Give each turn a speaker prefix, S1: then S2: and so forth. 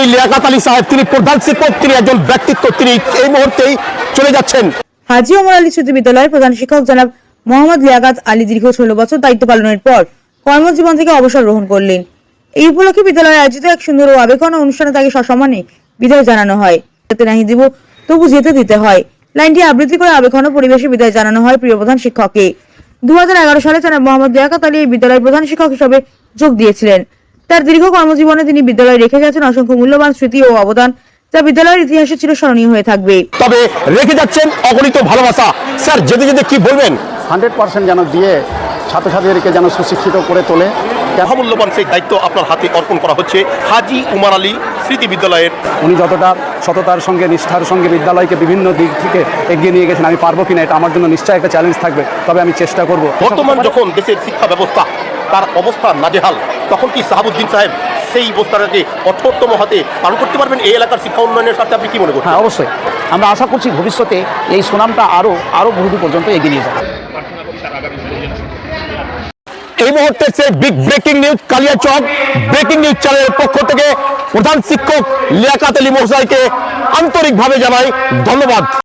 S1: লিয়াকত আলী সাহেব, তিনি প্রধান শিক্ষক, তিনি একজন ব্যক্তিত্ব, তিনি এই মুহূর্তেই চলে যাচ্ছেন।
S2: হাজী ওমর আলী স্মৃতি বিদ্যালয়ের প্রধান শিক্ষক জনাব মোহাম্মদ লিয়াকত আলী দীর্ঘ 16 বছর দায়িত্ব পালনের পর কর্মজীবন থেকে অবসর গ্রহণ করলেন। এই উপলক্ষে বিদ্যালয়ে আয়োজিত এক সুন্দর ও আবেগঘন অনুষ্ঠানে তাকে সসম্মানে বিদায় জানানো হয়। যেতে নাহি দিব তবু যেতে দিতে হয়, লাইনটি আবৃত্তি করে আবেগঘন পরিবেশে বিদায় জানানো হয় প্রিয় প্রধান শিক্ষককে। 2011 সালে জনাব মোহাম্মদ লিয়াকত আলী এই বিদ্যালয়ের প্রধান শিক্ষক হিসেবে যোগ দিয়েছিলেন। তার দীর্ঘ কর্মজীবনে তিনি বিদ্যালয়ে রেখে গেছেন অসংখ্য মূল্যবান স্মৃতি ও অবদান, যা বিদ্যালয়ের ইতিহাসে চিরস্মরণীয় হয়ে থাকবে।
S1: তবে রেখে যাচ্ছেন অগণিত ভালোবাসা। স্যার, যেতে যেতে কি বলবেন?
S3: 100% যেন দিয়ে ছাত্রছাত্রীদেরকে যেন সুশিক্ষিত করে তোলে।
S1: মহামূল্যবান সেই দায়িত্ব আপনার হাতে অর্পণ করা হচ্ছে হাজী ওমর আলী স্মৃতি বিদ্যালয়ের।
S3: উনি যতটা সততার সঙ্গে নিষ্ঠার সঙ্গে বিদ্যালয়কে বিভিন্ন দিক থেকে এগিয়ে নিয়ে গেছেন, আমি পারবো কিনা এটা আমার জন্য নিশ্চয়ই একটা চ্যালেঞ্জ থাকবে, তবে আমি চেষ্টা করব।
S1: বর্তমান যখন দেশের শিক্ষা ব্যবস্থা তার অবস্থা নাজেহাল, তখন কি সাহাবুদ্দিন সাহেব সেই অবস্থাটাকে কঠোরতম হাতে পালন করতে পারবেন এই এলাকার শিক্ষা উন্নয়নের সাথে? আপনি কি মনে করছেন?
S3: হ্যাঁ, অবশ্যই। আমরা আশা করছি ভবিষ্যতে এই সুনামটা আরও বহুদূর পর্যন্ত এগিয়ে নিয়ে যাবে।
S1: এই মুহূর্তে সেই big breaking news, Kaliachak breaking news চ্যানেলের পক্ষ থেকে প্রধান শিক্ষক লিয়াকত আলী মহোদয়কে আন্তরিকভাবে জানাই ধন্যবাদ।